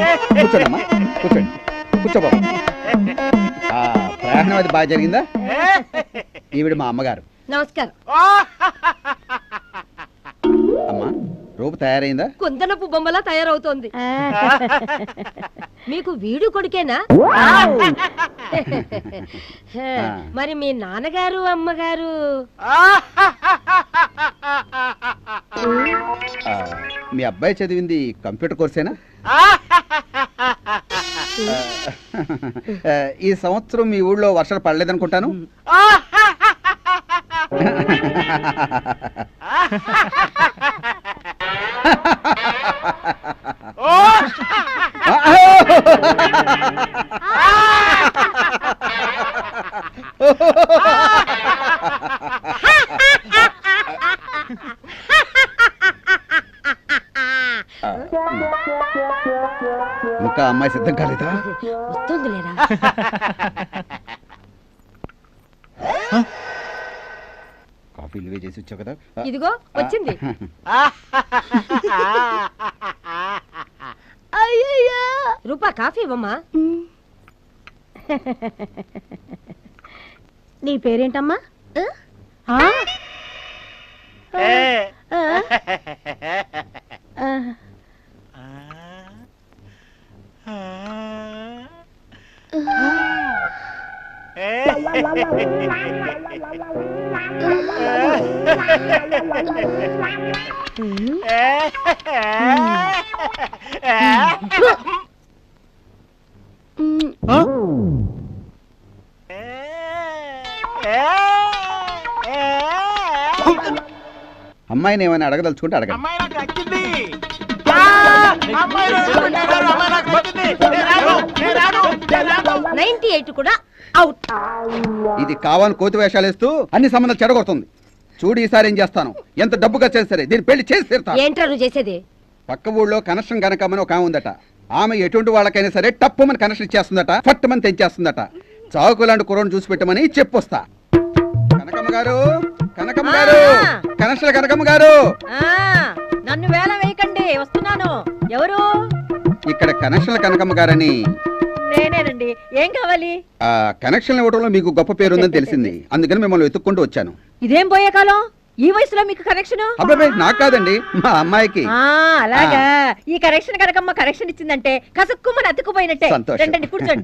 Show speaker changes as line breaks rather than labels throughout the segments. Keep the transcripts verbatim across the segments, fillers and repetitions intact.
కూర్చోండమ్మా, కూర్చోండి, కూర్చో బాబు. ప్రయాణం అది బాగా జరిగిందా? ఈవిడ మా అమ్మగారు.
నమస్కారం.
అమ్మా, రూపు తయారైందా?
కుందనపు బొమ్మలా తయారవుతోంది. మీకు వీడు కొడుకేనా? మరి మీ నాన్నగారు అమ్మగారు?
మీ అబ్బాయి చదివింది కంప్యూటర్ కోర్సేనా? ఈ సంవత్సరం మీ ఊళ్ళో వర్షాలు పడలేదనుకుంటాను. ఇంకా అమ్మాయి సిద్ధం కాలేదా?
వస్తుంది లేరా?
కాఫీలు వే చేసి వచ్చావు కదా.
ఇదిగో వచ్చింది. రూపా కాఫీ ఇవ్వమ్మా.
నీ పేరేంటమ్మా?
అమ్మాయిని ఏమైనా అడగదలుచుకుంటే అడగ.
నైన్టీ ఎయిట్ కూడా అవుట్.
ఇది కావాలని కోతి వేషాలు వేస్తూ అన్ని సంబంధాలు చెడగొడుతుంది. చూడు ఈసారి ఏం చేస్తాను. ఎంత డబ్బు ఖర్చు సరే దీన్ని పెళ్లి చేసి తీరుతాను.
ఏంట్రా నువ్వు చేసేది?
పక్క ఊళ్ళో కనెక్షన్ గనకమని ఒక ఆమె ఉందట. ఆమె ఎటువంటి వాళ్ళకైనా సరే టప్పుమని కనెక్షన్ ఇచ్చేస్తుందట, ఫట్టుమని తెంచేస్తుందట. చావుకు లాంటి కుర్రను చూసి పెట్టమని చెప్పొస్తా. కనకమ్మ గారు, కనకమ్మ గారు, కనెక్షన్ కనకమ్మ గారు.
నన్ను వేల వేయకండి, వస్తున్నాను. ఎవరు?
ఇక్కడ కనెక్షన్ల కనకమ్మ గారని.
నేనేనండి. ఏం కావాలి?
ఆ కనెక్షన్ ఇవ్వడంలో మీకు గొప్ప పేరు ఉందని తెలిసింది, అందుకని మిమ్మల్ని వెతుక్కుంటూ వచ్చాను.
ఇదేం పోయే కాలం? ఈ వయసులో మీకు కనెక్షన్?
అబ్బాయి నాకు కాదండి, మా అమ్మాయికి.
అలాగా. ఈ కనెక్షన్ కనకమ్మ కనెక్షన్ ఇచ్చిందంటే కసుక్కుమని అతుక్కుపోయినట్టే. రండి కూర్చోండి.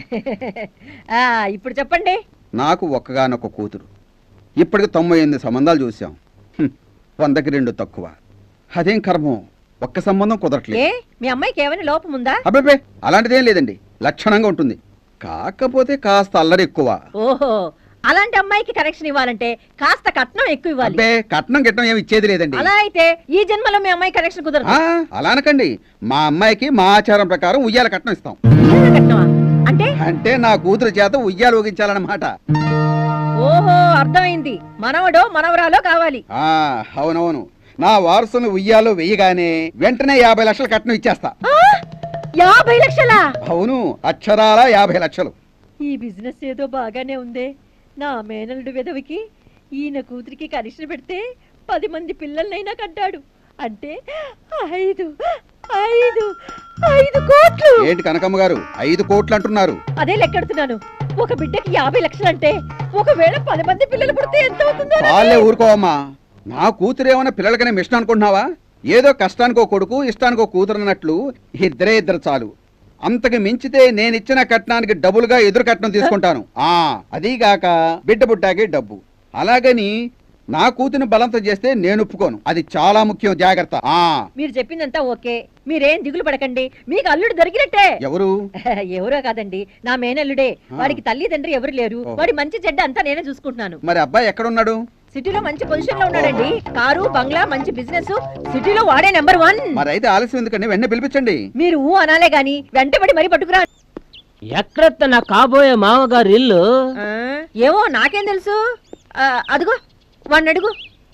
ఆ ఇప్పుడు చెప్పండి.
నాకు ఒక్కగానొక్క కూతురు. ఇప్పటికి తొంభై ఎనిమిది సంబంధాలు చూసాం. వందకి రెండు తక్కువ. అదేం కర్మం, ఒక్క సంబంధం కుదరట్లేదు.
మీ అమ్మాయికి ఏమైనా లోపం ఉందా?
అబ్బాయి అలాంటిదేం లేదండి, లక్షణంగా ఉంటుంది. కాకపోతే కాస్త అల్లరి ఎక్కువ.
ఓహో, అలాంటి అమ్మాయికి కనెక్షన్ ఇవ్వాలంటే కాస్త కట్నం ఎక్కువ ఇవ్వాలి.
కట్నం గిట్నం ఏమి ఇచ్చేది లేదండి.
అలా అయితే ఈ జన్మలో మీ అమ్మాయి కనెక్షన్ కుదరదు.
అలా అనకండి, మా అమ్మాయికి మా ఆచారం ప్రకారం ఉయ్యాల కట్నం ఇస్తాం.
అంటే
అంటే నా కూతురు చేత ఉయ్యాలు ఊగించాలన్నమాట.
ఓహో, అర్థమైంది. మనవడో మనవరాలో కావాలి.
అవునవును, నా వారసుని ఉయ్యాలో వెయ్యగానే వెంటనే యాభై లక్షలు కట్నం ఇచ్చేస్తా.
యాభై లక్షలా?
అవును, అక్షరాల యాభై లక్షలు.
ఈ బిజినెస్ ఏదో బాగానే ఉందే. నా మేనల్లుడు విధవికి ఈయన కూతురికి కనెక్షన్ పెడితే పది మంది పిల్లలనైనా కట్టాడు. అంటే ఐదు ఐదు ఐదు కోట్లు.
ఏంటి కనకమ్మ గారు ఐదు కోట్లు అంటున్నారు?
అదే లెక్కెడుతున్నాను. ఒక బిడ్డకి యాభై లక్షలు అంటే ఒకవేళ పది మంది పిల్లలు పుడితే ఎంత అవుతుందో.
వాళ్ళే ఊరుకోవమ్మా. నా కూతురు ఏమన్నా పిల్లలకనే మిషన్ అనుకుంటున్నావా? ఏదో కష్టానికో కొడుకు ఇష్టానికో కూతురు అన్నట్లు ఇద్దరే ఇద్దరు చాలు. అంతకు మించితే నేనిచ్చిన కట్నానికి డబుల్గా ఎదురు కట్నం తీసుకుంటాను. ఆ అదీగాక బిడ్డ బుడ్డాకే డబ్బు. అలాగని నా కూతురు బలంతం చేస్తే నేను ఒప్పుకోను. అది చాలా ముఖ్యం, జాగ్రత్త. ఆ
మీరు చెప్పిందంతా ఓకే, మీరేం దిగులు పడకండి. మీకు అల్లుడు దొరికినట్టే.
ఎవరు?
ఎవరో కాదండి, నా మేనల్లుడే. వాడికి తల్లిదండ్రి ఎవరు లేరు. వాడి మంచి చెడ్డ అంతా నేనే చూసుకుంటున్నాను.
మరి అబ్బాయి ఎక్కడున్నాడు?
సిటీలో మంచి పొజిషన్ లో ఉన్నాడండి. కారు బంగ్లా మంచి బిజినెస్, సిటీలో వాడే నెంబర్ వన్.
మరి అయితే ఆలస్యం ఎందుకండి, వెంటనే పిలిపించండి.
మీరు ఊ అనాలే గాని వెంటబడి మరీ పట్టుకురా.
ఎక్కడ నా కాబోయే మామగారు ఇల్లు?
ఏమో నాకేం తెలుసు. అదిగో వాడిని అడుగు.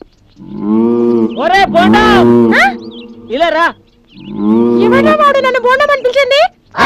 ఒరే బోండా, ఇలా రా.
ఏమైనా వాడు నన్ను బోండం అని పిలిచింది?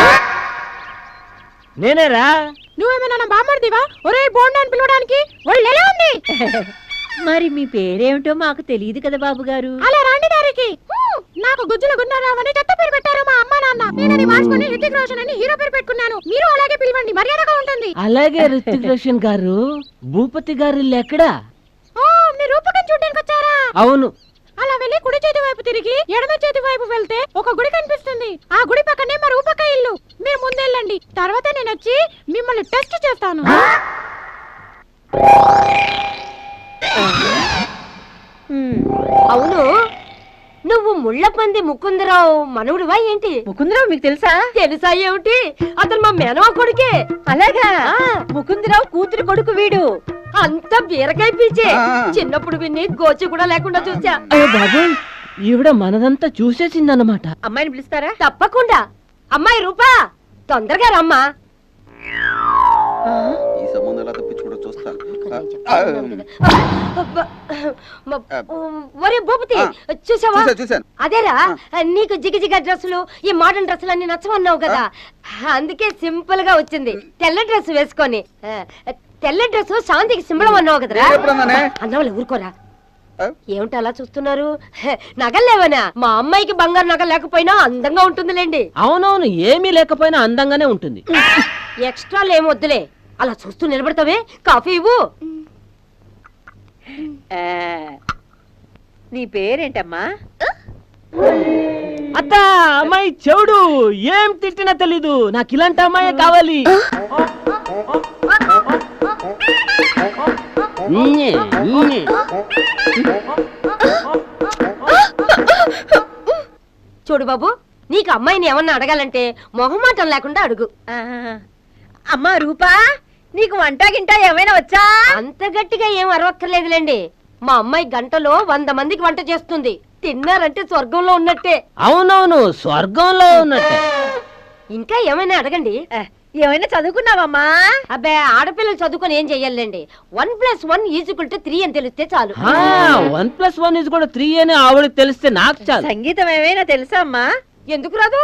నేనేరా.
నువ్వేమైనా నా బామ్మర్దివా ఒరే బోండా అని పిలవడానికి? వాళ్ళు ఎలా ఉంది?
మరి మీ పేరేమిటో మాకు తెలియదు కదా బాబు గారు.
అలా రాండి దారికి. నాకు గుజ్జుల గున్నారావు అని చెత్త పేరు పెట్టారు మా అమ్మ నాన్న. నేనని మార్చుకొని రితిక్ రోషన్ అని హీరో పేరు పెట్టుకున్నాను. మీరు అలాగే పిలవండి, మర్యాదగా ఉంటుంది.
అలాగే రితిక్ రోషన్ గారు. భూపతి గారి ఇల్లు ఎక్కడా?
ఓ, మీరు రూపకం చూడడానికి వచ్చారా?
అవును.
అలా వెళ్ళి కుడి చేతి వైపు తిరిగి ఎడమ చేతి వైపు వెళ్తే ఒక గుడి కనిపిస్తుంది. ఆ గుడి పక్కనే మా రూపక ఇల్లు. మీరు ముందెళ్ళండి, తర్వాత నేను వచ్చి మిమ్మల్ని టెస్ట్ చేస్తాను.
అవును, నువ్వు ముళ్ళపంది ముకుందరావు మనవుడివా ఏంటి?
ముకుందరావు మీకు తెలుసా?
తెలుసా ఏమిటి, అతను మా మేనమా కొడుకే.
అలాగా? ముకుందరావు కూతురు కొడుకు వీడు.
అంత బీరకాయ పీచే.
ఆ.
చిన్నప్పుడు విని గోచి కూడా లేకుండా చూసా.
ఓ బాబు, ఈవిడ మనదంతా చూసేసిందన్నమాట.
అమ్మాయిని పిలుస్తారా?
తప్పకుండా. అమ్మాయి రూపా, తొందరగా రమ్మా.
ఈ సంబంధం ఎలా తప్పించుకుంటూ చూస్తాను.
ఒరే భూపతి,
ఆ.
చూసావా?
చూసా చూశాను.
అదేరా, నీకు జిగజిగ డ్రెస్సులు ఈ మోడర్న్ డ్రెస్సులు అన్ని నచ్చమన్నావు కదా, అందుకే సింపుల్ గా వచ్చింది. తెల్ల డ్రెస్ వేసుకొని. ఆ, తెల్ల డ్రెస్ శాంతికి సింబలం అన్నావు కదరా.
నేను ఎప్పుడన్నానే?
అన్నవాళ్ళు ఊరుకోరా.
ఆ?
ఏమిటి అలా చూస్తున్నారు? హె, నగలేవనా? మా అమ్మాయికి బంగారు నగ లేకపోయినా అందంగా ఉంటుందిలేండి.
అవునవును, ఏమీ లేకపోయినా అందంగానే ఉంటుంది.
ఎక్స్ట్రాలు ఏం వద్దులే, అలా చూస్తూ నిలబడతావే. కాఫీ ఇవ్వు.
ఆ, నీ పేరేంటమ్మా?
అత్త, అమ్మాయి చెవుడు, ఏం తిట్టినా తెలీదు. నాకు ఇలాంటి అమ్మాయి కావాలి. న్యే, న్యే.
చూడు బాబు, నీకు అమ్మాయిని ఏమన్నా అడగాలంటే మొహమాటం లేకుండా అడుగు.
ఆ, అమ్మా రూపా, నీకు వంట గింట ఏమైనా వచ్చా?
అంత గట్టిగా ఏం అరవక్కర్లేదులేండి. మా అమ్మాయి గంటలో వంద మందికి వంట చేస్తుంది. తిన్నారంటే స్వర్గంలో ఉన్నట్టే.
అవునవును, స్వర్గంలో ఉన్నట్టే.
ఇంకా ఏమైనా అడగండి.
ఆ, ఏమైనా చదువుకున్నావమ్మా?
అబ్బే, ఆడపిల్లలు చదువుకొని ఏం చెయ్యాలండి? One plus one equal two three అని తెలిస్తే చాలు.
వన్ ప్లస్ వన్ ఇస్ కూడా త్రీ అని ఆవిడకి తెలిస్తే నాకు చాలు.
సంగీతం ఏమైనా తెలుసా అమ్మా?
ఎందుకు రాదు?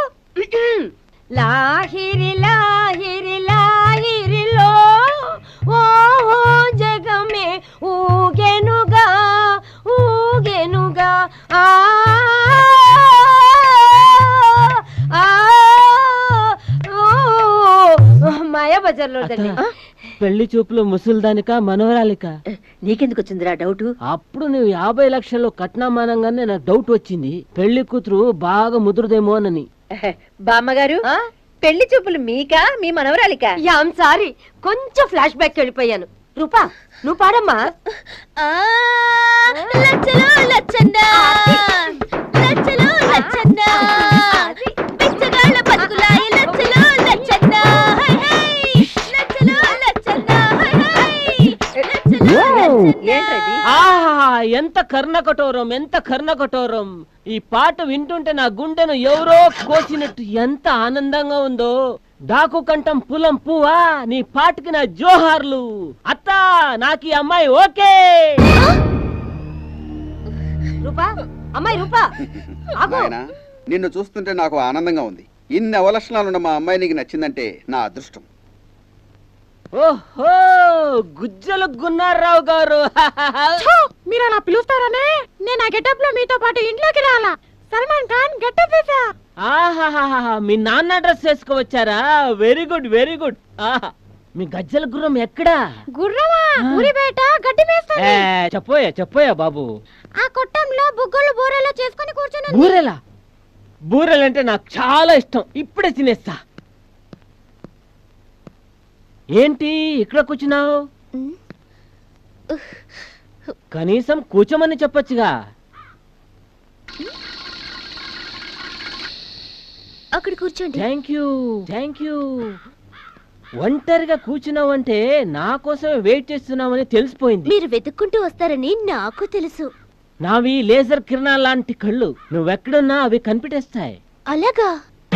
లాహిరి లాహిరి లాహిరిలో ఓ జగమే ఊగెనుగా ఊగెనుగా ఆ ఆ, ఓ, మాయా బజార్లో దండి.
పెళ్లి చూపులు ముసలిదానిక మనవరాలిక?
నీకెందుకు వచ్చిందిరా డౌట్?
అప్పుడు నువ్వు యాభై లక్షలు కట్నామానంగానే నాకు డౌట్ వచ్చింది. పెళ్లి కూతురు బాగా ముదురుదేమోనని.
బామ్మగారు,
ఆ?
పెళ్లి చూపులు మీకా మీ మనవరాలికా?
యామ్ సారీ, కొంచెం ఫ్లాష్ బ్యాక్ వెళ్ళిపోయాను. రూపా, నువ్వు పాడమ్మా.
లచ్చలో లచ్చన్న లచ్చలో లచ్చన్న బిచ్చగాళ్ళ బతుకులాయి లచ్చలో లచ్చన్న హై హై లచ్చలో లచ్చన్న హై హై లచ్చలో లచ్చన్న.
ఏంటది?
ఆహా, ఎంత కర్ణ కఠోరం, ఎంత కర్ణ కఠోరం. ఈ పాట వింటుంటే నా గుండెను ఎవరో కోసినట్టు ఎంత ఆనందంగా ఉందో. డాకు కంఠం పులం పువ్వా, నీ పాటకి నా జోహార్లు. అత్త, నాకు ఈ అమ్మాయి ఓకే.
రూపా, అమ్మాయి రూపా, ఆగు.
నాయనా, నిన్ను చూస్తుంటే నాకు ఆనందంగా ఉంది. ఇన్ని అవలక్షణాలున్న మా అమ్మాయి నీకు నచ్చిందంటే నా అదృష్టం.
ఓహో, గుజ్జలు గున్నారావు గారు.
మీరు అలా పిలుస్తారనే నేను ఆ గెటప్ లో మీతో పాటు ఇంట్లోకి రాలా. సల్మాన్ ఖాన్ గెటప్ వేసా.
ఆహాహాహా, మీ నాన్న డ్రెస్ వేసుకువచ్చారా? Very good, very good. ఆహా, మీ గజ్జల గుర్రం ఎక్కడా?
గుర్రమా? ఊరి బయట గడ్డి మేస్తుంది.
ఏ, చెప్పోయా చెప్పోయా బాబు.
ఆ కొట్టంలో బుగ్గలు బూరెలో చేసుకొని కూర్చుని.
బూరెలా? బూరెలంటే నాకు చాలా ఇష్టం. ఇప్పుడే తినేస్తా. ఏంటి ఇక్కడ కూర్చున్నావు? కనీసం కూర్చోమని చెప్పొచ్చుగా.
అక్కడ కూర్చోండి.
Thank you, thank you. ఒంటరిగా కూర్చున్నావంటే నా కోసమే వెయిట్ చేస్తున్నావని తెలిసిపోయింది.
మీరు వెతుక్కుంటూ వస్తారని నాకు తెలుసు.
నావి లేజర్ కిరణాల లాంటి కళ్ళు. నువ్వెక్కడున్నా అవి కనిపెట్టేస్తాయి.
అలాగా?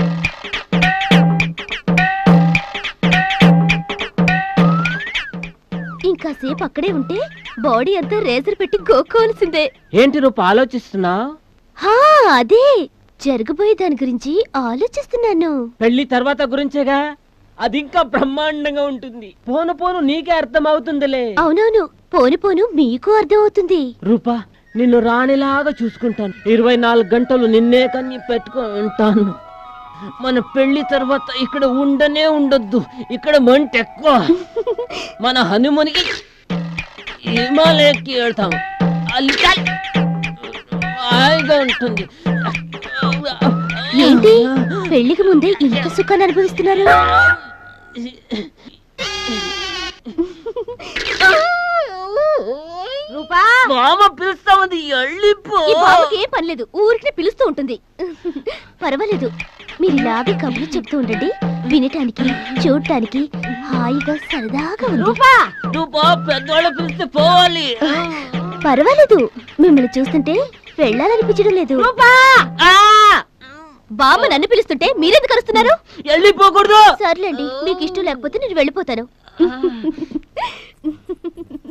ఇంకాసేపు అక్కడే ఉంటే బాడీ అంతా రేజర్ పెట్టి గోక్కోవాల్సిందే.
ఏంటి రూప ఆలోచిస్తున్నావు?
హా, అదే జరగబోయే దాని గురించి ఆలోచిస్తున్నాను.
పెళ్లి తర్వాత గురించేగా. అది ఇంకా బ్రహ్మాండంగా ఉంటుంది. పోను పోను నీకే అర్థం అవుతుందిలే.
అవునవును, పోను పోను మీకు అర్థం అవుతుంది.
రూపా, నిన్ను రాణిలాగా చూసుకుంటాను. ఇరవై నాలుగు గంటలు నిన్నే కన్ని పెట్టుకుంటాను. మన పెళ్లి తర్వాత ఇక్కడ ఉండనే ఉండొద్దు. ఇక్కడ మంట ఎక్కువ. మన హనుమనికి హిమాలయకి వెళ్తాం. ಅಲ್ಲಿ హాయిగా ఉంటుంది.
ఏంటి పెళ్లికి ముందే ఇంత సుఖాన్ని అనుభవిస్తున్నారు?
రూపా
మామ పిలుస్తా ఉంది, వెళ్ళిపో.
ఈ బాబుకి ఏం పనిలేదు, ఊరికి పిలుస్తూ ఉంటుంది. పర్వాలేదు, మీరు ఇలాగే కబుర్లు చెప్తూ ఉండండి. వినటానికి చూడటానికి హాయిగా సరదాగా ఉంది.
రూపా
రూపా పెద్దవాళ్ళు పిలిస్తే పోవాలి.
పర్వాలేదు, మిమ్మల్ని చూస్తుంటే వెళ్ళాలనిపించడం లేదు.
రూపా
ఆ!
బామ్మ నన్ను పిలుస్తుంటే మీరెందుకు అరుస్తున్నారు?
వెళ్ళిపోకూడదు.
సర్లేండి, మీకు ఇష్టం లేకపోతే నేను వెళ్ళిపోతాను.